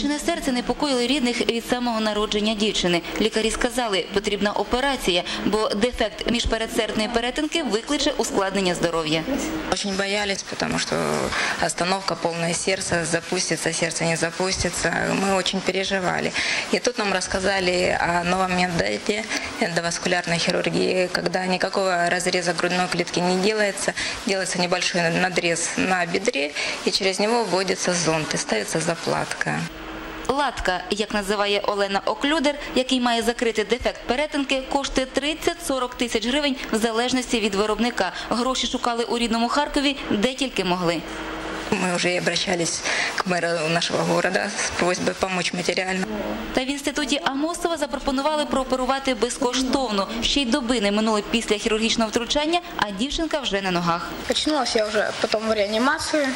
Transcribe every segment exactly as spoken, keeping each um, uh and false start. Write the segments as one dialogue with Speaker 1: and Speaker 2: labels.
Speaker 1: Дочине серце непокоїли рідних від самого народження дівчини. Лікарі сказали, потрібна операція, бо дефект міжпередсердної перетинки викличе ускладнення здоров'я.
Speaker 2: Очень боялись, потому что остановка, полное сердце, запустится, сердце не запустится. Мы очень переживали. И тут нам рассказали о новом методе эндоваскулярной хирургии, когда никакого разреза грудной клетки не делается, делается небольшой надрез на бедре, и через него вводится зонд и ставится заплатка.
Speaker 1: Латка, як називає Олена Оклюдер, який має закрити дефект перетинки, коштує тридцять-сорок тисяч гривень в залежності від виробника. Гроші шукали у рідному Харкові, де тільки могли.
Speaker 2: Мы уже обращались к мэру нашего города с просьбой помочь материально.
Speaker 1: Та в інституті Амосова запропонували прооперувати безкоштовно. Ще й доби не минули після хірургічного втручання, а дівчинка вже на ногах.
Speaker 3: Очнулась я вже потім в реанімацію.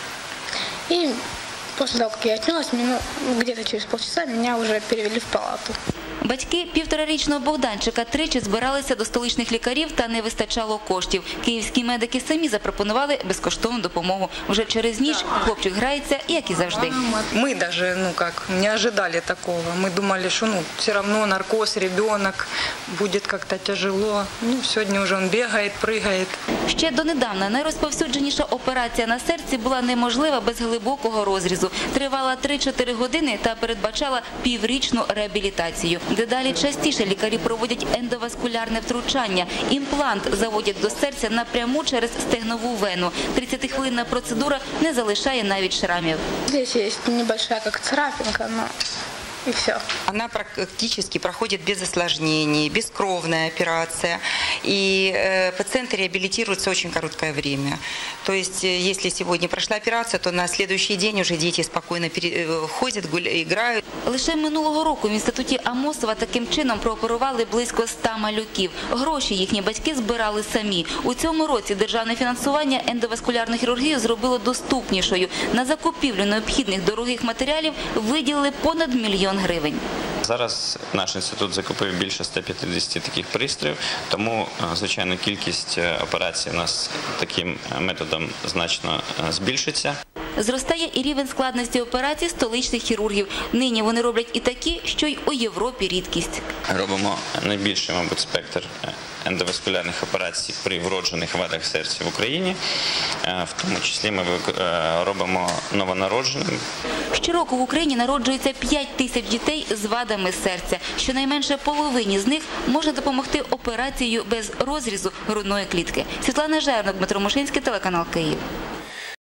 Speaker 3: І після того, як я очнулась, где-то через полчаса мене вже перевели в палату.
Speaker 1: Батьки півторарічного Богданчика тричі збиралися до столичних лікарів, та не вистачало коштів. Київські медики самі запропонували безкоштовну допомогу. Вже через ніч хлопчик грається, як і завжди.
Speaker 4: Ми навіть ну, как, не очікували такого. Ми думали, що ну, все одно наркоз, ребенок, буде як-то тяжело. Ну, сьогодні вже він бігає, пригає.
Speaker 1: Ще донедавна найрозповсюдженіша операція на серці була неможлива без глибокого розрізу. Тривала три-чотири години та передбачала піврічну реабілітацію. Дедалі частіше лікарі проводять ендоваскулярне втручання. Імплант заводять до серця напряму через стегнову вену. тридцятихвилинна процедура не залишає навіть шрамів.
Speaker 3: Тут є небольшая як царапинка, но... И все.
Speaker 5: Она практически проходит без осложнений, бескровная операция, и э, пациенты реабилитируются очень короткое время. То есть, если сегодня прошла операция, то на следующий день уже дети спокойно пере... ходят, гуляют, играют.
Speaker 1: Лише минулого року в інституті Амосова таким чином прооперували близько ста малюків. Гроші їхні батьки збирали самі. У цьому році державне фінансування ендоваскулярну хірургію зробило доступнішою. На закупівлю необхідних дорогих матеріалів виділили понад мільйон гривень.
Speaker 6: Зараз наш інститут закупив більше ста п'ятдесяти таких пристроїв, тому, звичайно, кількість операцій у нас таким методом значно збільшиться.
Speaker 1: Зростає і рівень складності операцій столичних хірургів. Нині вони роблять і такі, що й у Європі рідкість.
Speaker 6: Робимо найбільший, мабуть, спектр ендоваскулярних операцій при вроджених вадах серця в Україні. В тому числі ми робимо новонародженим.
Speaker 1: Щороку в Україні народжується п'ять тисяч дітей з вадами серця. Щонайменше половині з них можна допомогти операцією без розрізу грудної клітки. Світлана Жернок, Дмитро Мушинський, телеканал Київ.